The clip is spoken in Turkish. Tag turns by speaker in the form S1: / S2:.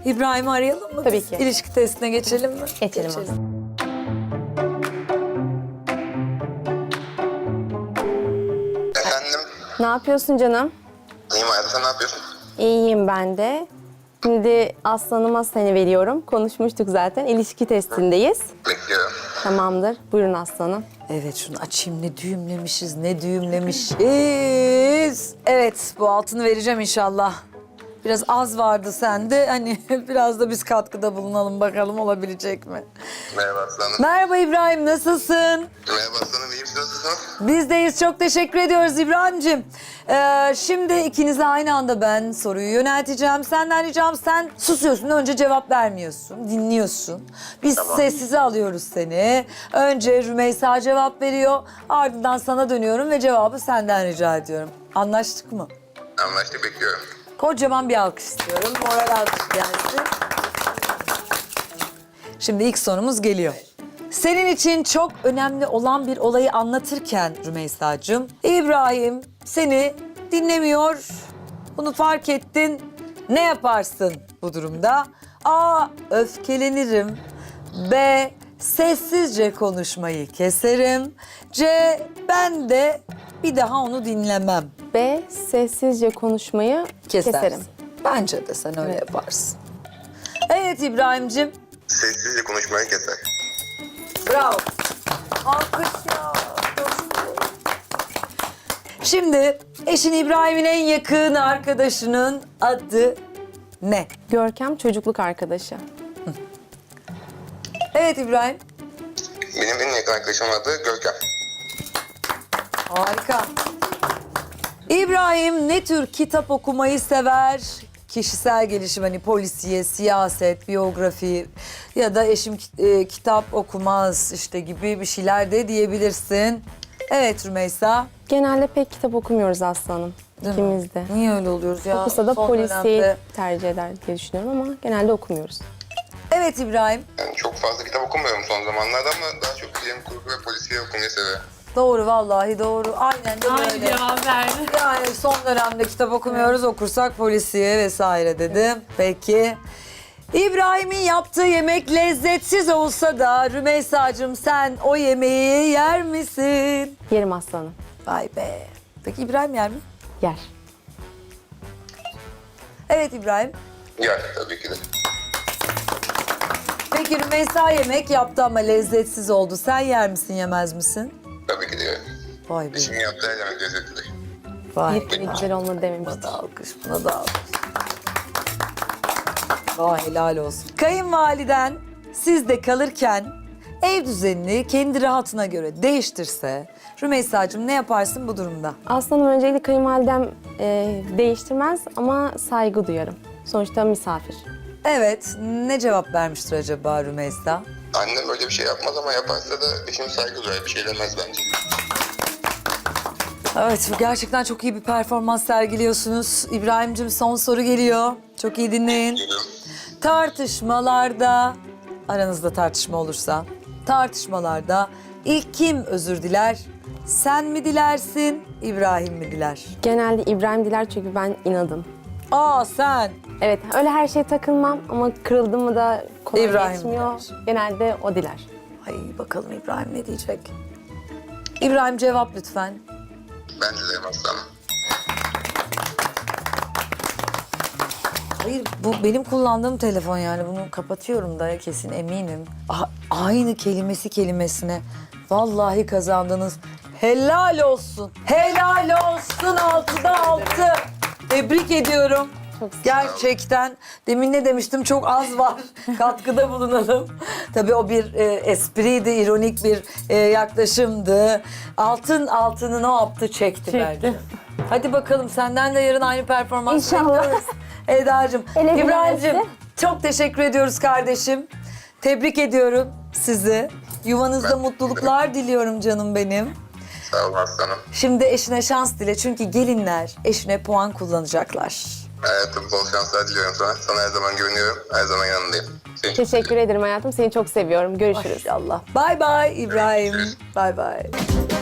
S1: İbrahim'i arayalım mı?
S2: Tabii
S1: Biz
S2: ki.
S1: İlişki testine geçelim mi?
S2: Geçelim aslında.
S3: Efendim,
S2: Ne yapıyorsun canım?
S3: iyiyim hayatım, sen ne yapıyorsun?
S2: İyiyim ben de. Şimdi Aslan'ıma seni veriyorum. Konuşmuştuk zaten. İlişki testindeyiz.
S3: Bekliyorum.
S2: Tamamdır. Buyurun Aslan'ım.
S1: Evet şunu açayım, ne düğümlemişiz, ne düğümlemişiz. Evet, bu altını vereceğim inşallah. Biraz az vardı sende, hani biraz da biz katkıda bulunalım bakalım olabilecek mi?
S3: Merhaba aslanım.
S1: Merhaba İbrahim, nasılsın?
S3: Merhaba aslanım, iyiyim, siz nasılsınız?
S1: Bizdeyiz, çok teşekkür ediyoruz İbrahim'cim. Şimdi ikinize aynı anda ben soruyu yönelteceğim. Senden ricam, sen susuyorsun, önce cevap vermiyorsun, dinliyorsun. Biz sessize alıyoruz seni. Önce Rümeysa cevap veriyor, ardından sana dönüyorum ve cevabı senden rica ediyorum. Anlaştık mı?
S3: Anlaştık, bekliyorum.
S1: Kocaman bir alkış istiyorum, moral alkış gelsin. Şimdi ilk sorumuz geliyor. Senin için çok önemli olan bir olayı anlatırken Rümeysa'cığım, İbrahim seni dinlemiyor. Bunu fark ettin. Ne yaparsın bu durumda? A. Öfkelenirim. B. Sessizce konuşmayı keserim. C. Ben de bir daha onu dinlemem.
S2: B. Sessizce konuşmayı
S1: Kesersin.
S2: keserim.
S1: Bence de sen öyle yaparsın. Evet İbrahim'cim.
S3: Sessizce konuşmayı keser.
S1: Bravo. Alkış ya. Şimdi eşin İbrahim'in en yakın arkadaşının adı ne?
S2: Görkem çocukluk arkadaşı.
S1: Evet İbrahim.
S3: Benim en yakın arkadaşım adı Görkem.
S1: Harika. İbrahim ne tür kitap okumayı sever? Kişisel gelişim, hani polisiye, siyaset, biyografi ya da eşim kitap okumaz işte gibi bir şeyler de diyebilirsin. Evet Rümeysa.
S2: Genelde pek kitap okumuyoruz Aslanım.
S1: Değil mi?
S2: İkimiz de.
S1: Niye öyle oluyoruz ya?
S2: Okusa da
S1: Son
S2: polisiye
S1: dönemde.
S2: tercih eder diye düşünüyorum ama genelde okumuyoruz.
S1: Evet İbrahim.
S3: Yani çok fazla kitap okumuyorum son zamanlarda ama daha çok bilim kurgu ve polisiye okumayı seviyorum.
S1: Doğru vallahi doğru. Aynen de böyle.
S4: cevap verdi.
S1: Yani son dönemde kitap okumuyoruz, okursak polisiye vesaire dedim. Peki. İbrahim'in yaptığı yemek lezzetsiz olsa da Rümeysa'cığım sen o yemeği yer misin?
S2: Yerim Aslanım.
S1: Vay be. Peki İbrahim yer mi?
S2: Yer.
S1: Evet İbrahim.
S3: Yani tabii ki de.
S1: Peki Rümeysa yemek yaptı ama lezzetsiz oldu. Sen yer misin, yemez misin?
S3: Tabii ki de yerim.
S1: Vay be.
S3: Eşimin yaptığı her yemek lezzetlidir.
S1: Vay
S2: Bir de güzel olmadı
S1: Buna
S2: dememiştim.
S1: da alkış, buna da alkış. Vay helal olsun. Kayınvaliden sizde kalırken ev düzenini kendi rahatına göre değiştirse Rümeysa'cığım ne yaparsın bu durumda?
S2: Aslanım öncelikle kayınvalidem değiştirmez ama saygı duyarım. Sonuçta misafir.
S1: Evet, ne cevap vermiştir acaba Rümeysa?
S3: Annem öyle bir şey yapmaz ama yaparsa da eşim saygı duyar, bir şey demez bence.
S1: Evet, gerçekten çok iyi bir performans sergiliyorsunuz. İbrahim'cim son soru geliyor. Çok iyi dinleyin.
S3: Geliyorum.
S1: Tartışmalarda, aranızda tartışma olursa, tartışmalarda ilk kim özür diler? Sen mi dilersin, İbrahim mi diler?
S2: Genelde İbrahim diler çünkü ben inadım.
S1: Aa sen.
S2: Evet öyle her şeye takılmam ama kırıldım mı da kolay
S1: İbrahim
S2: geçmiyor.
S1: diler.
S2: Genelde o diler.
S1: Ay bakalım İbrahim ne diyecek? İbrahim cevap lütfen.
S3: Ben dilerim aslanım.
S1: Hayır bu benim kullandığım telefon yani bunu kapatıyorum da kesin eminim. Aynı kelimesi kelimesine. Vallahi kazandınız. Helal olsun. Helal olsun 6'da 6. Tebrik ediyorum.
S2: Çok sağ ol.
S1: Gerçekten demin ne demiştim çok az var. Katkıda bulunalım. Tabii o bir espriydi, ironik bir yaklaşımdı. Altını ne yaptı çekti bence. Hadi bakalım senden de yarın aynı performans
S2: İnşallah.
S1: bekliyoruz. Eda'cığım,
S2: Ele
S1: İbrahim'cim
S2: bilemezse.
S1: çok teşekkür ediyoruz kardeşim. Tebrik ediyorum sizi. Yuvanızda mutluluklar diliyorum canım benim.
S3: Sağ olun aslanım.
S1: Şimdi eşine şans dile çünkü gelinler eşine puan kullanacaklar.
S3: Hayatım bol şanslar diliyorum sana. Sana her zaman güveniyorum. Her zaman yanındayım. Seni çok
S2: Teşekkür ederim hayatım. Seni çok seviyorum. Görüşürüz.
S1: Maşallah. Bay bay İbrahim. Bay bay.